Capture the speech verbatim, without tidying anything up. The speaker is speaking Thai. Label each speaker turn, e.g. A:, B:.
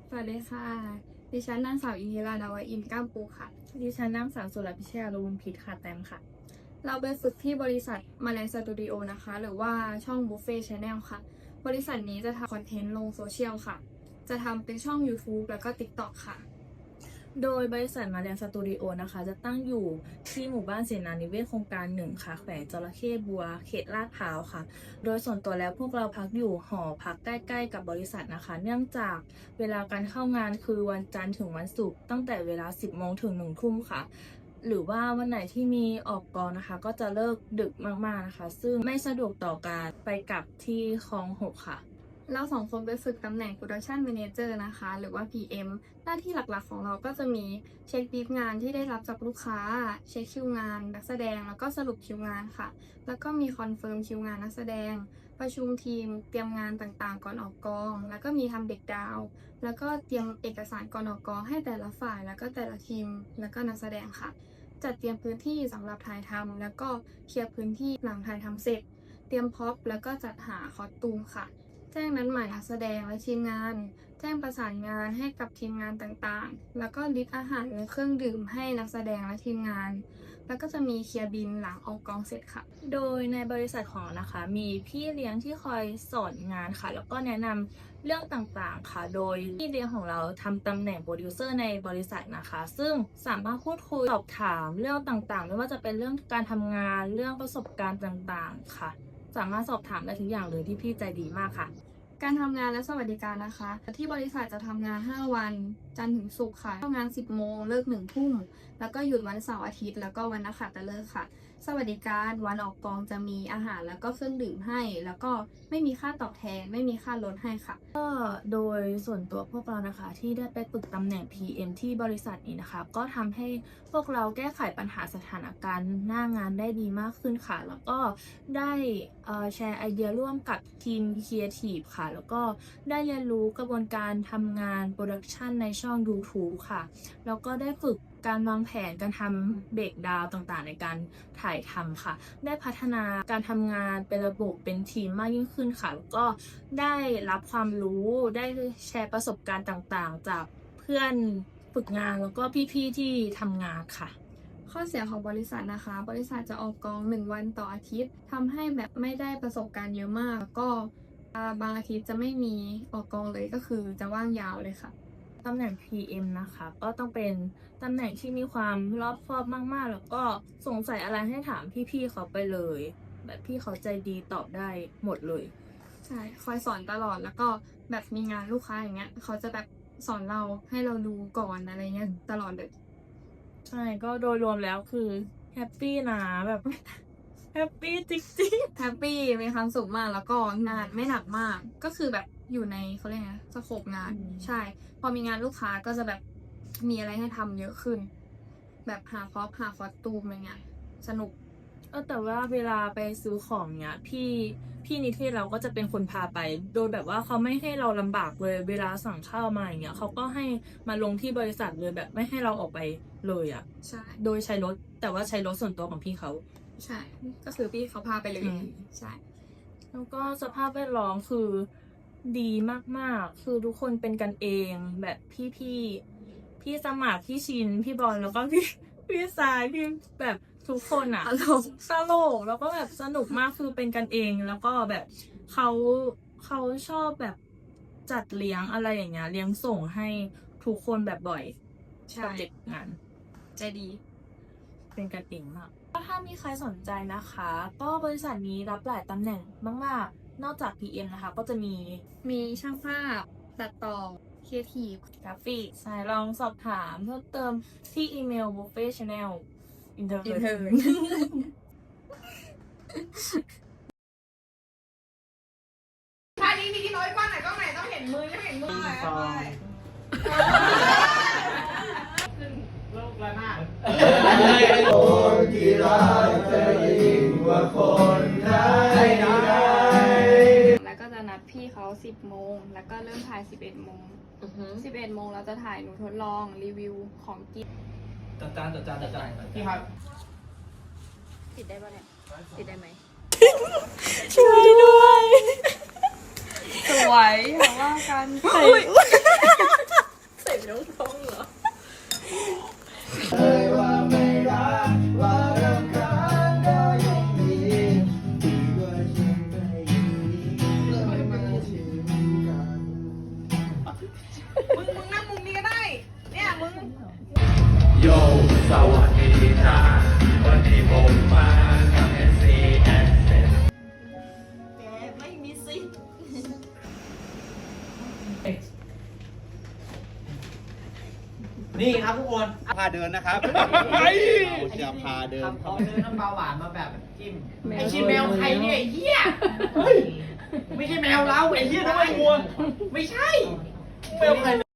A: สวัสดีค่ะดิฉันนางสาวอินทิราดาวอินก้ามปูค่ะ
B: ดิฉันนางสาวสุรพิชยาลุนพิษค่ะแตมค่ะ
A: เราไปฝึกที่บริษัทมาแลนสตูดิโอนะคะหรือว่าช่องบุฟเฟ่ชาแนลค่ะบริษัทนี้จะทำคอนเทนต์ลงโซเชียลค่ะจะทำเป็นช่อง YouTube แล้วก็ ติ๊กต็อก ค่ะ
B: โดยบริษัทมาแลนสตูดิโอนะคะจะตั้งอยู่ที่หมู่บ้านเสนานิเวศโครงการหนึ่งค่ะแขวงจระเข้บัวเขตลาดพร้าวค่ะโดยส่วนตัวแล้วพวกเราพักอยู่หอพักใกล้ๆกับบริษัทนะคะเนื่องจากเวลาการเข้างานคือวันจันทร์ถึงวันศุกร์ตั้งแต่เวลาสิบโมงถึงหนึ่งทุ่มค่ะหรือว่าวันไหนที่มีออกกองนะคะก็จะเลิกดึกมากๆนะคะซึ่งไม่สะดวกต่อการไปกลับที่คลองหกค่ะ
A: เราสองคนไปฝึกตำแหน่ง Production Manager นะคะหรือว่า พี เอ็ม หน้าที่หลักๆของเราก็จะมีเช็คบีฟงานที่ได้รับจากลูกค้าเช็คคิวงานนักแสดงแล้วก็สรุปคิวงานค่ะแล้วก็มีคอนเฟิร์มคิวงานนักแสดงประชุมทีมเตรียมงานต่างๆก่อนออกกองแล้วก็มีทำเบรกดาวน์แล้วก็เตรียมเอกสารก่อนออกกองให้แต่ละฝ่ายแล้วก็แต่ละทีมแล้วก็นักแสดงค่ะจัดเตรียมพื้นที่สำหรับถ่ายทำแล้วก็เคลียร์พื้นที่หลังถ่ายทำเสร็จเตรียมพ็อปแล้วก็จัดหาคอสตูมค่ะแจ้งนัดหมายนักแสดงและทีมงานแจ้งประสานงานให้กับทีมงานต่างๆแล้วก็ลิสต์อาหารและเครื่องดื่มให้นักแสดงและทีมงานแล้วก็จะมีเคลียร์บินหลังออกกองเสร็จค่ะ
B: โดยในบริษัทของเรานะคะมีพี่เลี้ยงที่คอยสอนงานค่ะแล้วก็แนะนำเรื่องต่างๆค่ะโดยพี่เลี้ยงของเราทำตำแหน่งโปรดิวเซอร์ในบริษัทนะคะซึ่งสามารถพูดคุยสอบถามเรื่องต่างๆไม่ว่าจะเป็นเรื่องการทำงานเรื่องประสบการณ์ต่างๆค่ะสามารถสอบถามได้ทุกอย่างเลยที่พี่ใจดีมากค่ะ
A: การทำงานและสวัสดิการนะคะที่บริษัทจะทำงานห้าวันจันทร์ถึงศุกร์ค่ะทำงานสิบโมงเลิกหนึ่งทุ่มแล้วก็หยุดวันเสาร์อาทิตย์แล้วก็วันนักขัตฤกษ์ค่ะสวัสดิการวันออกกองจะมีอาหารแล้วก็เครื่องดื่มให้แล้วก็ไม่มีค่าตอบแทนไม่มีค่าลดให้ค่ะ
B: ก็โดยส่วนตัวพวกเรานะคะที่ได้ไปฝึกตำแหน่ง พี เอ็ม ที่บริษัทนี้นะคะก็ทำให้พวกเราแก้ไขปัญหาสถานการณ์หน้างานได้ดีมากขึ้นค่ะแล้วก็ได้แชร์ไอเดียร่วมกับทีม Creative ค่ะแล้วก็ได้เรียนรู้กระบวนการทำงานโปรดักชันในช่อง YouTube ค่ะแล้วก็ได้ฝึกการวางแผนการทำเบรกดาวต่างๆในการถ่ายทำค่ะได้พัฒนาการทำงานเป็นระบบเป็นทีมมากยิ่งขึ้นค่ะแล้วก็ได้รับความรู้ได้แชร์ประสบการณ์ต่างๆจากเพื่อนฝึกงานแล้วก็พี่ๆที่ทำงานค่ะ
A: ข้อเสียของบริษัทนะคะบริษัทจะออกกองหนึ่งวันต่ออาทิตย์ทำให้แบบไม่ได้ประสบการณ์เยอะมากแล้วก็บางอาทิตย์จะไม่มีออกกองเลยก็คือจะว่างยาวเลยค่ะ
B: ตำแหน่ง พี เอ็ม นะคะก็ต้องเป็นตำแหน่งที่มีความรอบคอบมากๆแล้วก็สงสัยอะไรให้ถามพี่ๆเขาไปเลยแบบพี่เขาใจดีตอบได้หมดเลย
A: ใช่คอยสอนตลอดแล้วก็แบบมีงานลูกค้าอย่างเงี้ยเขาจะแบบสอนเราให้เราดูก่อนอะไรเงี้ยตลอดเลย
B: ใช่ก็โดยรวมแล้วคือแฮปปี้นะแบบแฮปปี้จริง
A: ๆแฮปปี้มีความสุขมากแล้วก็งานไม่หนักมากก็คือแบบอยู่ในเขาเรียกไงสโคปงานใช่พอมีงานลูกค้าก็จะแบบมีอะไรให้ทำเยอะขึ้นแบบหาคอปหาคอสตูมอะไรเงี้ยสนุก
B: เออแต่ว่าเวลาไปซื้อของเนี้ยพี่พี่นิเทศเราก็จะเป็นคนพาไปโดยแบบว่าเขาไม่ให้เราลำบากเลยเวลาสั่งข้าวมาอย่างเงี้ยเขาก็ให้มาลงที่บริษัทเลยแบบไม่ให้เราออกไปเลยอ่ะ
A: ใช่
B: โดยใช้รถแต่ว่าใช้รถส่วนตัวของพี่เขา
A: ใช่ก็คือพี่เขาพาไปเลยใช่
B: แล้วก็สภาพแวดล้อมคือดีมากๆคือทุกคนเป็นกันเองแบบพี่พี่พี่สมัครพี่ชินพี่บอลแล้วก็พี่พี่สายพี่แบบทุกคนอ่ะ
A: ตลก
B: ตลกแล้วก็แบบสนุกมากคือเป็นกันเองแล้วก็แบบเขาเขาชอบแบบจัดเลี้ยงอะไรอย่างเงี้ยเลี้ยงส่งให้ทุกคนแบบบ่อยกับเด็กงาน
A: ใจดี
B: เป็นกันเองมากถ้ามีใครสนใจนะคะก็บริษัทนี้รับหลายตำแหน่งมากๆนอกจาก พี เอ็ม นะคะก็จะมี
A: มีช่างภาพตัดต่อครีเอทีฟ
B: กราฟิกใช่ลองสอบถามเพิ่มเติมที่อีเมล buffet channel อินเทอร์อินเทอร์
C: ท่านี้ทีน้อยกล้องไหนกล้องไหนต้องเห็นมือต้องเห็นมือเลยขึ้นโลกระนาด
D: คนที่รักเธอยิ่งกว่าคนไทย
A: แล้วก็จะนัดพี่เขาสิบโมงแล้วก็เริ่มถ่ายสิบเอ็ดโมงสิบเอ็ดโมงเราจะถ่ายหนูทดลองรีวิวของกิน
D: จัดจานจัดจานจัดจานพี่ครับ
A: ติดได้ปะเนี่ยติดได้ไหม
B: ช่วยด้วย
A: สวยเพราะว่ากัน
E: นี่ครับทุกคน
D: พาเดินนะครับเราจะพาเดิน
E: ทำเขาเดินน้ำปลาหวานมาแบบจิ้ม
C: ไอชิแมวใครเนี่ยไอ้เหี้ย
E: ไม่ใช่แมวเราไอ้เหี้ยทำไมงัวไม่ใช่แมวใคร